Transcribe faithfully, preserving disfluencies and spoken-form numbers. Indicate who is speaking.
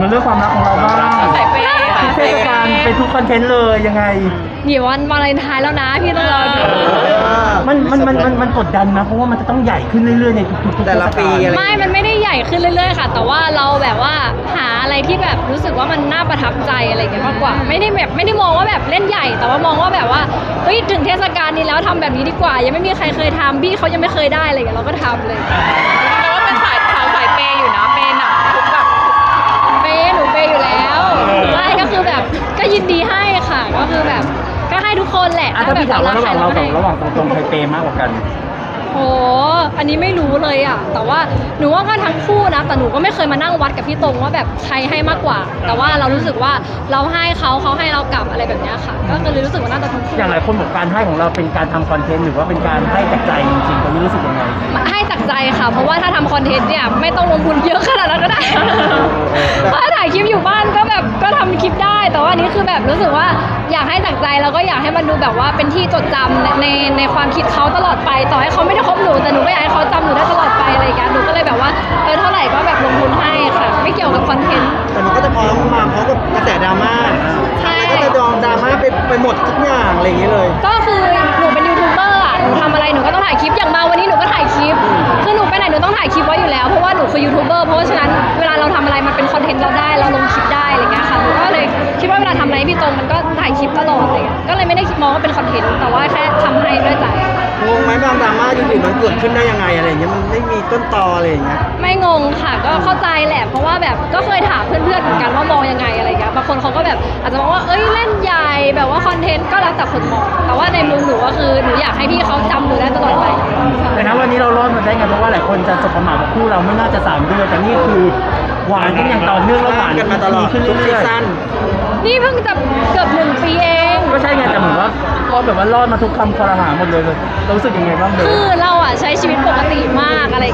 Speaker 1: มาเรื่องความรักของเราบ้าง
Speaker 2: ใส่เปย์
Speaker 1: ทุกเทศกาลเป็นทุกคอนเทนต์เลยยังไง
Speaker 2: หยิบวันวาเลนไทน์แล้วนะพี่ต้องรอดู
Speaker 1: มันมันมันมันมันกดดันนะเพราะว่ามันจะต้องใหญ่ขึ้นเรื่อยๆในทุกๆ
Speaker 3: แต่ละปีอะไร
Speaker 2: ไม่ มันไม่ได้ใหญ่ขึ้นเรื่อยๆค่ะ แต่ว่าเราแบบว่าหาอะไรที่แบบรู้สึกว่ามันน่าประทับใจอะไรอย่างเงี้ยมากกว่า ไม่ได้แบบไม่ได้มองว่าแบบเล่นใหญ่ แต่ว่ามองว่าแบบว่าเฮ้ยถึงเทศกาลนี้แล้วทำแบบนี้ดีกว่า ยังไม่มีใครเคยทำพี่เขายังไม่เคยได้อะไรอย่างเงี้ยเราก็ทำเลย
Speaker 4: แต่ว่าเป็นสายสาวสายเปย์อยู่นะเปย์หนักทุกแบบ
Speaker 2: เปย์หนูเปย์อยู่แล้วไม่ก็คือแบบก็ยินดีให้ค่ะ ก็คือแบบก็ให้ทุกคนแหละ
Speaker 1: อ่ะถ้าพี่ถามว่าระหว่างเรากับระหว่างตรงๆใครเปย์มากกว่ากัน
Speaker 2: โอ้อันนี้ไม่รู้เลยอ่ะ แต่ว่าหนูว่าก็ทั้งคู่นะ แต่หนูก็ไม่เคยมานั่งวัดกับพี่ตรงว่าแบบใครให้มากกว่า แต่ว่าเรารู้สึกว่าเราให้เขาเขาให้เรากลับอะไรแบบเนี้ยค่ะ ก็เลยรู้สึกว่าน่าจะทั้งคู่
Speaker 1: อย่างหลายคนบอกการให้ของเราเป็นการทำคอนเทนต์หรือว่าเป็นการให้จากใจจริงๆตอนนี้รู้สึกยังไง
Speaker 2: ให้จากใจค่ะ เพราะว่าถ้าทำคอนเทนต์เนี่ยไม่ต้องลงทุนเยอะขนาดนั้นก็ได้ เพราะถ้าถ่ายคลิปอยู่บ้านก็แบบก็ทำคลิปได้ แต่ว่าอันนี้คือแบบรู้สึกว่าอยากให้จากใจแล้วก็อยากให้มันดูแบบว่าเป็นที่จดจำในในในความคิดเขาตลอดไป ต่อให้เขาไม่ได้คบหนูแต่หนูก็อยากให้เขาจำหนูได้ตลอดไปอะไรอย่างเงี้ยหนูก็เลยแบบว่าเออเท่าไหร่ก็แบบลงทุนให้ค่ะ ไม่เกี่ยวกับคอนเทนต์
Speaker 3: แต่มันก็จะพร้อมมาพร้อมกับกระแสดราม่า
Speaker 2: ใช่
Speaker 3: ก็จะดองดราม่าไปไปหมดทุกอย่างอะไรอย่างเงี้ยเลย
Speaker 2: ก็คือหนูเป็นยูทูบเบอร์อ่ะ หนูทำอะไรหนูก็ต้องถ่ายคลิป อย่างมาวันนี้หนูก็ถ่ายคลิป คือหนูไปไหนหนูต้องถ่ายคลิปไว้อยู่แล้ว เพราะว่าหนูคือยูทูบเบอร์ เพราะฉะนั้นเวลาเราทำอะไรมันเป็นคอนเทนต์เราได้ เราลงคลิปได้อะไรเงี้ยค่ะ หนูก็เลยคิดว่าเวลาทำอะไรให้พี่ตรงมันก็ถ่ายคลิปตลอดอะไรเงี้ย ก็เลยไม่ได้มองว่าเป็นคอนเทนต์ แต่ว่าแค่ทำให้ด้วยใจ
Speaker 3: งงไหมบางดราม่าอยู่ๆมันเกิดขึ้นได้ยังไงอะไรอย่างเงี้ยมันไม่มีต้นตออะไรอย่างเงี้ย
Speaker 2: ไม่งงค่ะ ก็เข้าใจแหละ เพราะว่าแบบก็เคยถามเพื่อนๆเหมือนกันว่ามองยังไงอะไรเงี้ย บางคนเขาก็แบบอาจจะมองว่า เอ้ยเล่นใหญ่ แบบว่าคอนเทนต์ก็แล้วแต่คนมอง แต่ว่าในมุมหนูก็คือหนูอยากให้พี่เขาจำหนูได้ตลอดไป
Speaker 1: แต่นะวันนี้เรารอดมาได้ไงเพราะว่าหลายคนจะสบประมาทว่าคู่เราไม่น่าจะสามเดือนแต่นี่คือหวานกันอย่างต่อเนื่องแล้วหวาน
Speaker 3: กันมาตลอด
Speaker 1: ขึ้น
Speaker 3: ทุกซี
Speaker 1: เรื่อย
Speaker 3: ซั่น
Speaker 2: นี่เพิ่งจะเกือบหนึ่งปีเอง
Speaker 1: ๆก็ใช่ไงแต่เหมือนว่าก็แบบว่ารอดมาทุกคำคอรหาหมดเลยเรารู้สึกยังไงบ้างเบ
Speaker 2: คื
Speaker 1: ล
Speaker 2: อเราอ่ะใช้ชีวิตปกติมากอะไร